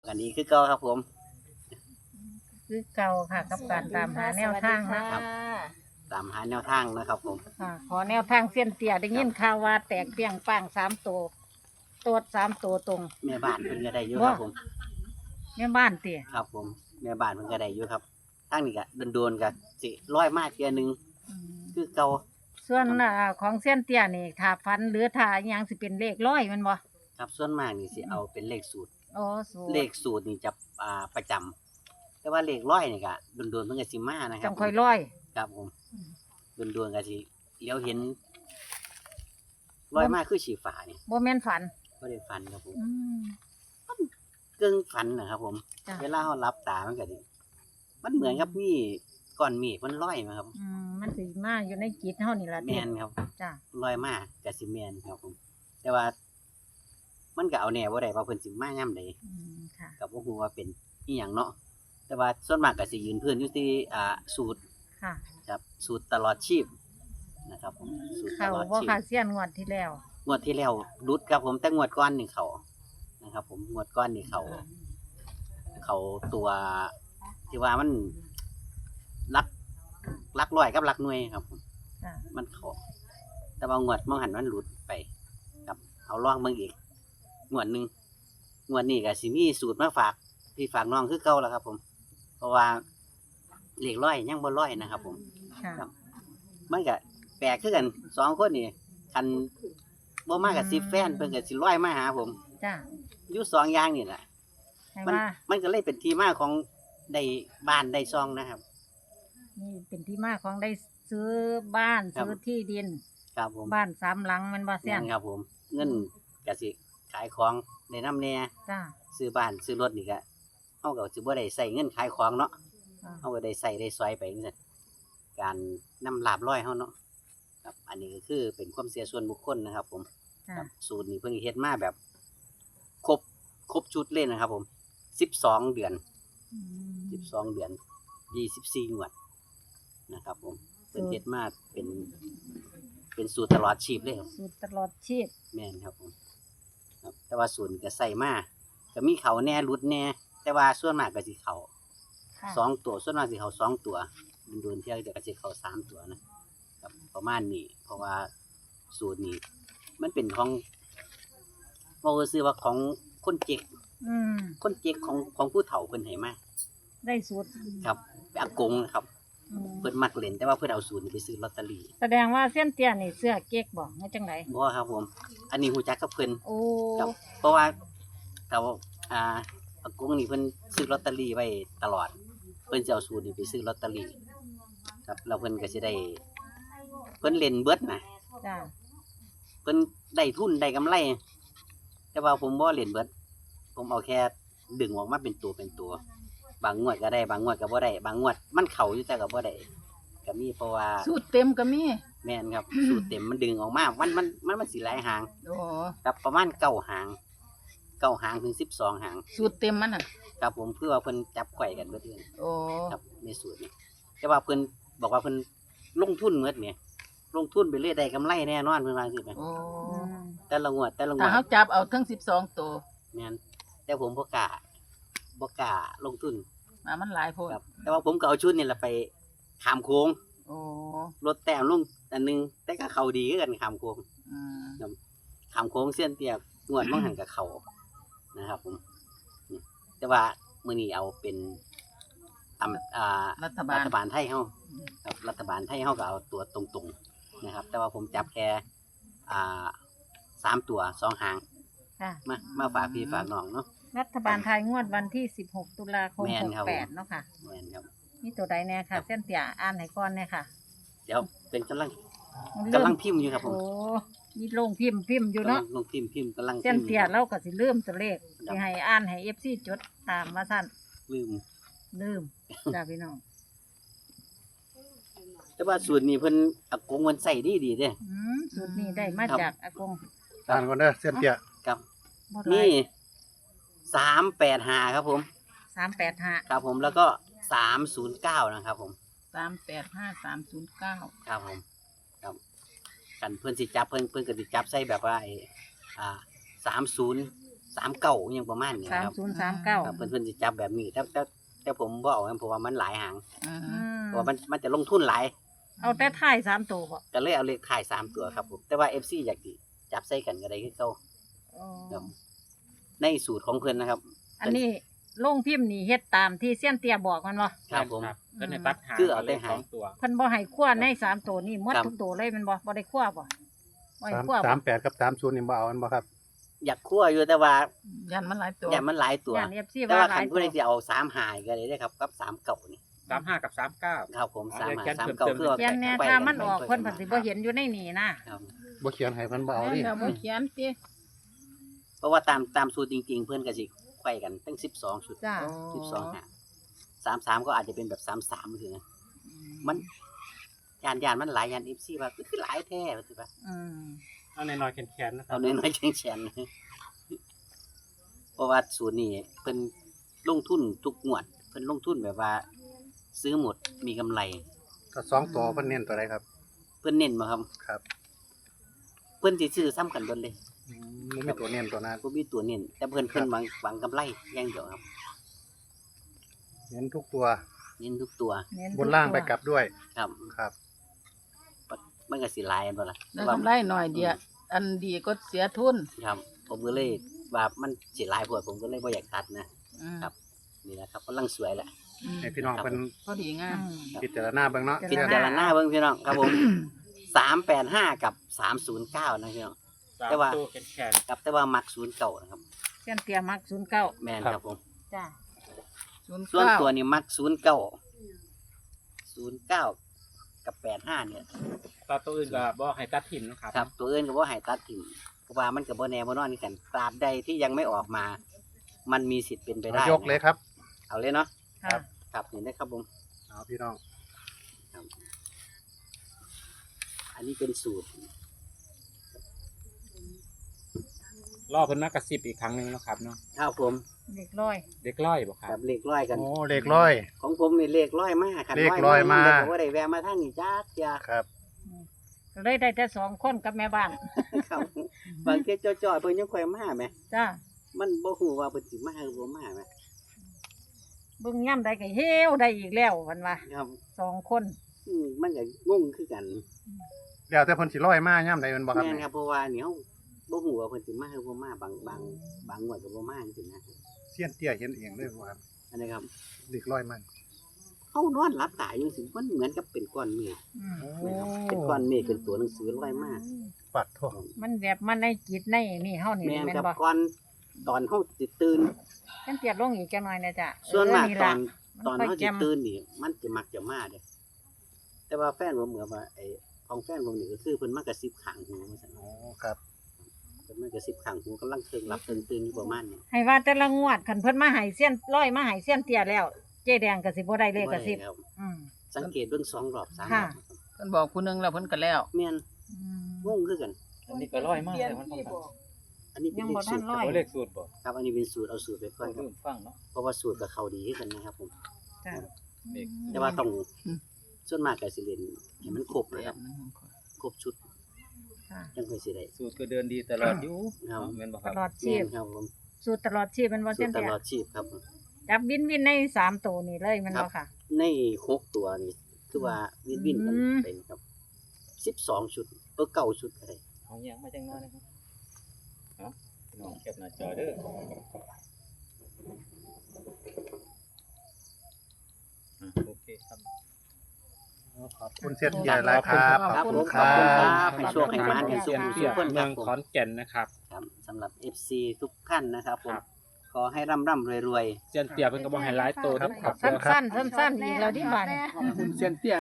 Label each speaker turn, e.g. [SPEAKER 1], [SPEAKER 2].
[SPEAKER 1] อันนี้คือเก่าครับผม
[SPEAKER 2] คือเก่าค่ะกับการตามหาแนวทางนะครับ
[SPEAKER 1] ตามหาแนวทางนะครับผม
[SPEAKER 2] ค่ะขอแนวทางเส้นเตี้ยได้ยินข่าวว่าแตกเปรี้ยงป้าง3 ตัวตัว3 ตัวตรง
[SPEAKER 1] แม่บ้านเพิ่นก็ได้อยู่ครับผม
[SPEAKER 2] แม่บ้านเตี้ย
[SPEAKER 1] ครับผมแม่บ้านเพิ่นก็ได้อยู่ครับทางนี้ก็โดนๆก็สิร้อยมาเทื่อนึงคือเก่า
[SPEAKER 2] ส่วนของเส้นเตี้ยนี่ถ้าฟันหรือถ้าอิหยังสิเป็นเลขร้อยแมันบ่
[SPEAKER 1] ครับส่วนมากนี่สิเอาเป็นเลขสูตร
[SPEAKER 2] โอ้สูตร
[SPEAKER 1] เลขสูตรนี่จะประจำแต่ว่าเลขร้อยนี่ก็โดนๆเพิ่นก็สิมานะครั
[SPEAKER 2] จั
[SPEAKER 1] บ
[SPEAKER 2] งค่อยร้อย
[SPEAKER 1] ครับผมโดนๆก็สิเลี้ยวเห็นร้อยมาคือสีฟ้านี่
[SPEAKER 2] บ่แม่นฝัน
[SPEAKER 1] บ่ได้ฝันครับผม
[SPEAKER 2] อืม
[SPEAKER 1] กึ่งฝันนะครับผม
[SPEAKER 2] จ้ะ
[SPEAKER 1] เวลาเราหลับตามันก็สิมันเหมือนกับมีก้อนเมฆมันลอยมาครับ
[SPEAKER 2] มันสิมาอยู่ในจิตเฮานี่ล่ะ
[SPEAKER 1] แม
[SPEAKER 2] เตี้ย
[SPEAKER 1] นครับ
[SPEAKER 2] จ้ะ
[SPEAKER 1] ลอยมากกับสิแมนครับผม แต่ว่า มันก็เอาแน่บ่ได้ว่าเพิ่นสิมาย่ํใด
[SPEAKER 2] ค่ะ
[SPEAKER 1] ก็บ่ฮู้ว่าเป็นอีหยังเนาะแต่ว่าส่วนมากก็สิยืนพื้นอยู่ที่สูตร
[SPEAKER 2] ค่ะ
[SPEAKER 1] ครับสูตรตลอดชีพนะครับผมสูตรต
[SPEAKER 2] เข้า
[SPEAKER 1] ลอด
[SPEAKER 2] บ่
[SPEAKER 1] ชีพ
[SPEAKER 2] ค่ะเสี้ยนงวดที่แล้ว
[SPEAKER 1] งวดที่แล้วรุดครับผมแต่งวดก่อนนี่เขานะครับ ผมงวดก่อนนี่เขาตัวที่ว่ามันลักร้อยกับลักหน่วยครับผม
[SPEAKER 2] จ้ะ
[SPEAKER 1] มันเขาแต่ว่างวดมองหันมันหลุดไปครับเอาลองเบิ่งอีกงวดหนึงงวดนี้ก็สิมีสูตรมาฝากพี่ฝากน้องคือเก่าแล้วครับ ผม เพราะว่าเลขร้อยยังบ่ร้อยนะครับ ผม
[SPEAKER 2] ค่ะ
[SPEAKER 1] ครับ มันก็แปลกคือกัน2คนนี่คันบ่มากับ10แฟนเพิ่นก็สิร้อยมาหาผม
[SPEAKER 2] จ้ะ
[SPEAKER 1] อยู่2อย่างนี่แหละ
[SPEAKER 2] ให้
[SPEAKER 1] มัน
[SPEAKER 2] ว่า
[SPEAKER 1] มันก็เลยเป็นที่มาของได้บ้านได้ซองนะครับ
[SPEAKER 2] นี่เป็นที่มาของได้ซื้อบ้าน
[SPEAKER 1] ครับ
[SPEAKER 2] ซื้อที่ดิน
[SPEAKER 1] ครับผม
[SPEAKER 2] บ้าน3 หลังแมันบ่เสี้ยน
[SPEAKER 1] แม่นครับผม เงินก็สิขายของได้นำแน่
[SPEAKER 2] จ้ะ
[SPEAKER 1] ซื้อบ้านซื้อรถนี่ก็เฮาก็สิบ่ได้ใช้เงินขายของเนาะ
[SPEAKER 2] อ่า
[SPEAKER 1] เฮาก็ได้ใช้ได้ซอยไปจังซั่นการนำลาบร้อยเฮาเนาะครับ อันนี้ก็คือเป็นความเชื่อส่วนบุคคลนะครับ ผม
[SPEAKER 2] จ้ะ
[SPEAKER 1] ครับสูตรนี้เพิ่นเฮ็ดมาแบบครบชุดเลยนะครับ ผม12เดือน
[SPEAKER 2] อืม
[SPEAKER 1] 12เดือน24งวดนะครับ ผมเพิ่นเฮ็ดมาเป็นสูตรตลอดชีพเลยครับ
[SPEAKER 2] สูตรตลอดชีพ
[SPEAKER 1] แม่นครับผมครับ แต่ว่าสูตรก็ใส่มาก็มีเขาแน่รุดแน่ แต่ว่าส่วนมากก็สิเขา
[SPEAKER 2] ค่ะ
[SPEAKER 1] 2ตัวส่วนมากสิเขา2ตัวโดนๆเที่ยจะก็สิเขา3ตัวนะครับประมาณนี้ เพราะว่าสูตรนี้มันเป็นของบ่ซื่อว่าของคนเจ๊ก
[SPEAKER 2] อืม
[SPEAKER 1] คนเจ๊กของผู้เฒ่าเพิ่นให้มา
[SPEAKER 2] ได้สูตร
[SPEAKER 1] ครับอากงนะครับ
[SPEAKER 2] อืม
[SPEAKER 1] เพิ่นมักเล่นแต่ว่าเพิ่นเอาสูตรนี้ไปซื้อลอตเตอรี่
[SPEAKER 2] แสดงว่าเส้นเตี้ยนี่เสื้อเก๊กบ่เฮ็ดจังได
[SPEAKER 1] บ่ครับผม อันนี้ฮู้จักกับเพิ่น
[SPEAKER 2] โอ้
[SPEAKER 1] ครับเพราะว่าเขาอากงนี่เพิ่นซื้อลอตเตอรี่ไว้ตลอด เพิ่นสิเอาสูตรนี้ไปซื้อลอตเตอรี่ครับแล้วเพิ่นก็สิได้ เพิ่นเล่นเบิดนะ
[SPEAKER 2] จ้ะ
[SPEAKER 1] เพิ่นได้ทุนได้กำไร แต่ว่าผมบ่เล่นเบิด ผมเอาแค่ดึงออกมาเป็นตัว บางงวดก็ได้บางงวดก็บ่ได้บางงวดมันเข้าอยู่แต่ก็บ่ได้ก็มีเพราะว่า
[SPEAKER 3] สูตรเต็มก็มี
[SPEAKER 1] แม่นครับ สูตรเต็มมันดึงออกมามันสิหลายหาง
[SPEAKER 3] โอ้
[SPEAKER 1] ครับประมาณ9หาง9หางถึง12หาง
[SPEAKER 3] สูตรเต็มมันอ่ะ
[SPEAKER 1] ครับผมเพื่อว่าเพิ่นจับไข่กันเบิดเลย
[SPEAKER 3] โอ้
[SPEAKER 1] ครับในสูตรนี้แต่ว่าเพิ่นบอกว่าเพิ่นลงทุนเบิดเนี่ยลงทุนไปเรื่อยได้กำไรแน่นอนเพิ่นว่าจังซี่แหม
[SPEAKER 3] โอ้
[SPEAKER 2] อืม
[SPEAKER 1] แต่ละงวด
[SPEAKER 3] ถ้าเฮาจับเอาทั้ง12ตัว
[SPEAKER 1] แม่นแต่ผมบ่กล้าลงทุน
[SPEAKER 3] มามันหลายโพด
[SPEAKER 1] ครับ แต่ว่าผมก็เอาชุดนี่แหละไปขามโค้ง
[SPEAKER 3] โอ้
[SPEAKER 1] รถแต้มลงอันหนึงแต่ก็เข้าดีคือกันขามโค้ง
[SPEAKER 3] อืม
[SPEAKER 1] ขามโค้งเส้นเตียกงวดบ่หันก็เข้านะครับผมนี่แต่ว่ามื้อนี้เอาเป็น
[SPEAKER 3] รัฐบา
[SPEAKER 1] รั
[SPEAKER 3] ล
[SPEAKER 1] ฐบาลไทยเฮาครับรัฐบาลไทยเฮาก็เอาตัวตรงๆนะครับ แต่ว่าผมจับแค่3ตัว2หาง
[SPEAKER 2] ค่ะ
[SPEAKER 1] มาฝากพี่ฝากน้องเนาะ
[SPEAKER 2] รัฐบาลไทยงวดวันที่16 ตุลาคม
[SPEAKER 1] แม่นครับผม
[SPEAKER 2] 68เนาะค่ะ
[SPEAKER 1] แม่นครับ
[SPEAKER 2] มีตัวใดแน่ค่ะ เส้นเตี้ยอ่านให้ก่อนแน่ค่ะ
[SPEAKER 1] เดี๋ยวเป็นกำลัง
[SPEAKER 2] เริ่ม
[SPEAKER 1] พิมพ์อยู่ครับผม
[SPEAKER 2] โอ้มีโรงพิมพ์อยู่
[SPEAKER 1] กำลั
[SPEAKER 2] เนาะ
[SPEAKER 1] งลงพิมพ์กำลัง
[SPEAKER 2] เส้น
[SPEAKER 1] พิมพ์
[SPEAKER 2] เตี้ยเราก็สิลืมตัวเลข
[SPEAKER 1] ครับ
[SPEAKER 2] สิให้อ่านให้ FC จดตามว่าซั่น
[SPEAKER 1] ลืม
[SPEAKER 2] ลืมจ้าพี่น้อง
[SPEAKER 1] แต่ว่าสูตรนี้เพิ่นอากงมันใส่ดีเด้
[SPEAKER 2] สูตรนี้ได้มา
[SPEAKER 1] ครับ
[SPEAKER 2] จากอากง
[SPEAKER 4] อ่านก่อนเด้อเส้นเตี้ย
[SPEAKER 1] ครับ
[SPEAKER 2] บ่หลา
[SPEAKER 1] นี่
[SPEAKER 2] ย
[SPEAKER 1] 385ครับผม
[SPEAKER 2] 385
[SPEAKER 1] ครับผมแล้วก็309นะครับผม
[SPEAKER 3] 385309
[SPEAKER 1] ครับผม ครับกันเพิ่นสิจับเพิ่นก็สิจับใส่แบบว่า30 39ยังประมาณนี้ครับ
[SPEAKER 2] 3039
[SPEAKER 1] ครับเพิ่นสิจับแบบนี้แต่ผมบ่เอาเพราะว่ามันหลายหาง
[SPEAKER 3] อืม
[SPEAKER 1] เพราะว่ามันจะลงทุนหลาย
[SPEAKER 2] เอาแต่ท้าย3ตัวบ่
[SPEAKER 1] ก็เลยเอาเลขท้าย3ตัวครับผมแต่ว่า FC อยากสิจับใส่กันก็ได้คือเก่า
[SPEAKER 2] อ๋อ
[SPEAKER 1] ครับในสูตรของเพิ่นนะครับ
[SPEAKER 2] อันนี้ลงพิมพ์นี่เฮ็ดตามที่เซียนเตี้ยบอกมันบ่
[SPEAKER 1] ครับผม
[SPEAKER 4] ก็ในตัดหาง
[SPEAKER 1] คือเอาแต่หาง
[SPEAKER 4] สองตัว
[SPEAKER 2] เพิ่นบ่ให้คั่วใน3ตัวนี่หมด
[SPEAKER 1] ครับ
[SPEAKER 2] ทุกตัวเลยแมันบ่ได้คั่วบ่บ่ให้คั่วบ่
[SPEAKER 5] 38กับ30นี่บ่เอามันบ่ครับ
[SPEAKER 1] อยากคั่วอยู่แต่ว่า
[SPEAKER 3] ยันมันหลายตัว
[SPEAKER 1] อย่ามันหลายตัว
[SPEAKER 2] ย่าน FC
[SPEAKER 1] แต่
[SPEAKER 2] ว่า
[SPEAKER 1] ว่า
[SPEAKER 2] หลา
[SPEAKER 1] คั
[SPEAKER 2] ย
[SPEAKER 1] น
[SPEAKER 2] ตั
[SPEAKER 1] ผู้
[SPEAKER 2] ว
[SPEAKER 1] ใดสิเอา3หายก็ได้เด้อครับกับ3เก่านี่
[SPEAKER 4] 35กับ39
[SPEAKER 1] ครับผม
[SPEAKER 4] เอา
[SPEAKER 1] 3
[SPEAKER 4] เลข
[SPEAKER 1] หา
[SPEAKER 4] เขียน
[SPEAKER 1] 3เก่า
[SPEAKER 4] เพิ่มเติม
[SPEAKER 1] คือว่า
[SPEAKER 2] เขียนแน่
[SPEAKER 1] ไป
[SPEAKER 2] ถ้ามัน
[SPEAKER 1] ไป
[SPEAKER 2] ออก
[SPEAKER 1] ไป
[SPEAKER 2] เพิ่นเพิ่นสิบ่เห็นอยู่ในนี่นะ
[SPEAKER 1] ครับ
[SPEAKER 5] บ่เขียนให้มันบ่เอาดิ
[SPEAKER 3] เดี๋ยวบ่เขียนติ
[SPEAKER 1] เพราะว่าตามสูตรจริง ๆ เพิ่นก็สิไขว้กันตั้ง12ชุด
[SPEAKER 2] จ้า
[SPEAKER 1] 12หา33ก็อาจจะเป็นแบบ33คือนะมันยานมันหลายยาน FC ว่าคือหลายแท้ว่าสิว่า
[SPEAKER 2] อืม
[SPEAKER 4] เอาในน้อยๆแข็งๆนะครั
[SPEAKER 1] เอาน้อยๆแข็งๆเพราะว่าสูตรนี้เพิ่นลงทุนทุกงวดเพิ่นลงทุนแบบว่า ซื้อหมดมีกำไร
[SPEAKER 5] ก็2ตัวเพิ่นเน้นตัวใดครับ
[SPEAKER 1] เพิ่นเน้นบ่ครับ
[SPEAKER 5] ครับ
[SPEAKER 1] เพิ่นสิซื้อซ้ำกันเบิดเลย
[SPEAKER 5] มันมีตัวเน้นตัวนั้น
[SPEAKER 1] บ่มีตัวเน้นแต่เพิ่นหวังกำไรอย่างเดียวครับ
[SPEAKER 5] เน้นทุกตัว
[SPEAKER 1] เน้นทุกตัว
[SPEAKER 2] เน้น
[SPEAKER 5] บนล่างไปกลับด้วย
[SPEAKER 1] ครับ
[SPEAKER 5] ครับ
[SPEAKER 1] มันก็สิหลายอันบ่ล่ะ
[SPEAKER 3] ได้กำไรหน่อยเดียวอันดีก็เสียทุน
[SPEAKER 1] ครับ ผมก็เลยว่ามันสิหลายโพดผมก็เลยบ่อยากตัดนะ
[SPEAKER 3] อืม
[SPEAKER 1] ครับ นี่แหละครับกำลังสวยแหละ
[SPEAKER 3] อืม
[SPEAKER 5] ให้พี่น้องเพิ่น
[SPEAKER 3] พอดีงา
[SPEAKER 2] อื
[SPEAKER 3] ม
[SPEAKER 2] ม
[SPEAKER 5] พิจารณาเบิ่งเนาะ
[SPEAKER 1] พิจารณาเบิ่งพี่น้องครับผม 385 กับ 309นะพี่น้อง แต่ว่า
[SPEAKER 4] ตัวแข็ง
[SPEAKER 1] ครับแต่ว่ามัก09นะครับ
[SPEAKER 2] เซียนเตี้ยมัก09
[SPEAKER 1] แม่นครับผม
[SPEAKER 2] จ้า
[SPEAKER 1] ส่วน
[SPEAKER 3] 09
[SPEAKER 1] ตัวนี้มัก09กับ85เนี่ย
[SPEAKER 4] ๆตัวอื่นก็บ่ให้ตัดถิ่นนะครับ
[SPEAKER 1] ครับ ตัวอื่นก็บ่ให้ตัดทิ้งเพราะว่ามันก็บ่แน่บ่นอนคือกันตราบใดที่ยังไม่ออกมา มันมีสิทธิ์เป็นไปได้
[SPEAKER 5] ยกเลยครับ
[SPEAKER 1] เอาเลยเนาะ
[SPEAKER 2] ค่ะ
[SPEAKER 1] ครับนี่นะครับผม
[SPEAKER 5] เอาพี่น้อง
[SPEAKER 1] อันนี้เป็นสูตร
[SPEAKER 4] รอเพิ่นมากระซิบอีกครั้งหนึงแล้วครับเนาะ
[SPEAKER 1] ครับผม
[SPEAKER 2] เด็กร้อย
[SPEAKER 4] เด็กร้อยบ่ค
[SPEAKER 1] ค
[SPEAKER 4] รั
[SPEAKER 1] รั
[SPEAKER 4] บบ
[SPEAKER 1] เลขร้อยกัน
[SPEAKER 5] โอ้เลขร้อย
[SPEAKER 1] ของผมนี่เลขร้อยมากครับ
[SPEAKER 5] เลขร้อยมา
[SPEAKER 1] บ่ได้แวะมาทางนี้จ้าเสีย
[SPEAKER 5] ครับ
[SPEAKER 2] ก็เลยได้แต่2คนกับแม่บ้าน
[SPEAKER 1] ครับบางเที่ยจ่อๆเพิ่นยังค่อยมาแหม
[SPEAKER 2] จ้า
[SPEAKER 1] มันบ่ฮู้ว่าเพิ่นสิมาหรือบ่มาแหม
[SPEAKER 2] เบิ่งย่ำใดก็เฮวได้อีกแล้วเพิ่นว่า
[SPEAKER 1] ครับ
[SPEAKER 2] 2คน
[SPEAKER 1] มันก็งงคือกัน
[SPEAKER 5] แล้วแต่เพิ่นสิร้อยมายามใดแม่นบ่ครับ
[SPEAKER 1] แม่น
[SPEAKER 5] เนี่ย
[SPEAKER 1] ครับเพราะว่านี่เฮาบ่ฮู้ว่าเพิ่นสิมาหรือบ่มาบางงวดก็บ่มาจังซี่นะ
[SPEAKER 5] เสี้ยนเตี้ยเห็นเองเลยว่าครับ
[SPEAKER 1] อันนี้ครับ
[SPEAKER 5] เลขร้อยมัน
[SPEAKER 1] เฮานอนหลับตาอยู่สิมันเหมือนกับเป็นก้อนเมฆ
[SPEAKER 2] อืม
[SPEAKER 1] นะครับเป็นก้อนเมฆเป็นตัวหนังสือร้อยมาก
[SPEAKER 5] ปัดโทษ
[SPEAKER 2] มันแบบมันในจิตในนี่เฮานี่
[SPEAKER 1] แม่น
[SPEAKER 2] แม่น
[SPEAKER 1] ครับ
[SPEAKER 2] บ่
[SPEAKER 1] ก่อนตอนเฮาสิตื่น
[SPEAKER 2] เซียนเตี้ยลงอีกจังหน่อยนะจ้ะ
[SPEAKER 1] ส่วนมาก
[SPEAKER 2] เ
[SPEAKER 1] ตอน
[SPEAKER 2] มัน
[SPEAKER 1] ตอน
[SPEAKER 2] ค่อย
[SPEAKER 1] เฮา
[SPEAKER 2] แจ่
[SPEAKER 1] สิ
[SPEAKER 2] ม
[SPEAKER 1] ตื่นนี่มันจะมักจะมาเด้แต่ว่าแฟนผมเหมือนว่าไอ้ของแฟนผมนี่ก็คือเพิ่นมากระซิบข้างหูว่าซั่น
[SPEAKER 5] โอ้ครับ
[SPEAKER 1] เพิ่นมากระซิบข้างหูกำลังเคิงหลับเคิงตื่นอยู่ประมาณนี้
[SPEAKER 2] ให้ว่าแต่ละงวดคันเพิ่นมาให้เซียนร้อยมาให้เซียนเตี้ยแล้ว เจ๊แดงก็สิบ่ได้เลขก็สิบ
[SPEAKER 1] ครับ
[SPEAKER 2] อืม
[SPEAKER 1] สังเกตเบิ่ง2รอบ3ร
[SPEAKER 2] ค่ะ
[SPEAKER 1] อบ
[SPEAKER 3] เพิ่นบอกผู้หนึงแล้วเพิ่นก็แล้ว
[SPEAKER 1] แม่น
[SPEAKER 2] อืม
[SPEAKER 1] งงคือกัน
[SPEAKER 4] อันนี้ก็ร้อยมากเลยมันต้อง
[SPEAKER 1] อันนี้เป็น
[SPEAKER 2] ยัง
[SPEAKER 1] เล
[SPEAKER 2] บ่
[SPEAKER 1] ข
[SPEAKER 2] ทั
[SPEAKER 1] สู
[SPEAKER 2] น
[SPEAKER 1] ตร
[SPEAKER 2] ร้อย
[SPEAKER 4] เอาเลขสูตรบ่
[SPEAKER 1] ครับอันนี้เป็นสูตรเอาสูตรไปก่อนครับ
[SPEAKER 4] ลืมฟังเนาะ
[SPEAKER 1] เพราะว่าสูตรกับเขาดีคือกันนะครับผม
[SPEAKER 2] จ้ะ
[SPEAKER 4] เลข
[SPEAKER 1] แต่ว่าต้อง
[SPEAKER 3] อืม
[SPEAKER 1] ส่วนมากก็สิเล่นให้มันครบเลย
[SPEAKER 3] แบ
[SPEAKER 1] ครับ บ
[SPEAKER 3] นั้นของข้อย
[SPEAKER 1] ครบชุด
[SPEAKER 2] ค่ะ
[SPEAKER 1] จังค่อยสิได้
[SPEAKER 4] สูตรก็เดินดีตลอดอยู่
[SPEAKER 1] ครับ
[SPEAKER 4] แม่นบ่ค
[SPEAKER 2] ต
[SPEAKER 4] รับ
[SPEAKER 2] ลอดชี
[SPEAKER 1] แม่
[SPEAKER 2] พ
[SPEAKER 1] นครับผม
[SPEAKER 2] สูตรตลอดชีพมันบ่
[SPEAKER 1] สู
[SPEAKER 2] เซีย
[SPEAKER 1] ต
[SPEAKER 2] น
[SPEAKER 1] รต
[SPEAKER 2] เตี้ย
[SPEAKER 1] ลอดชีพครับ
[SPEAKER 2] จับวินใน3ตัวนี่เลยมันบ่ค่ะ
[SPEAKER 1] ใน6ตัวนี่คือว่าวินกัน
[SPEAKER 2] อืม
[SPEAKER 1] เป็นครับ12ชุด9ชุดอะไร
[SPEAKER 4] เอาหยังมาจังน้อยนะครับเนาะน้องแคปหน้าจอเด้อโอเคครับ
[SPEAKER 5] ขอบคุณเสี้ยนเตี้ยหลายครับ
[SPEAKER 1] ครับ
[SPEAKER 5] ขอบ
[SPEAKER 1] ผ
[SPEAKER 5] คุ
[SPEAKER 1] ม
[SPEAKER 5] ณ
[SPEAKER 1] ข
[SPEAKER 5] ค
[SPEAKER 1] อบ
[SPEAKER 5] รั
[SPEAKER 1] คุณครับ
[SPEAKER 5] บ
[SPEAKER 1] ให้โชคให้มานให้สุขให้
[SPEAKER 4] เสี
[SPEAKER 1] สุ
[SPEAKER 4] ย
[SPEAKER 1] ขคนค
[SPEAKER 4] เมื
[SPEAKER 1] รั
[SPEAKER 4] อบ ง
[SPEAKER 1] ผม
[SPEAKER 4] ขอนแก่นนะครับ
[SPEAKER 1] ครับสำหรับ FC ทุกท่านนะครับผม
[SPEAKER 4] ครับ
[SPEAKER 1] ขอให้ร่ำรวย
[SPEAKER 4] เซียนเตียเพิ่นก็บ่ให้หลายโตเด้อครับ
[SPEAKER 2] สั้นๆสั้นๆอีกแล้วที่บ้าน
[SPEAKER 5] คุณเสี้ยนเตี้ย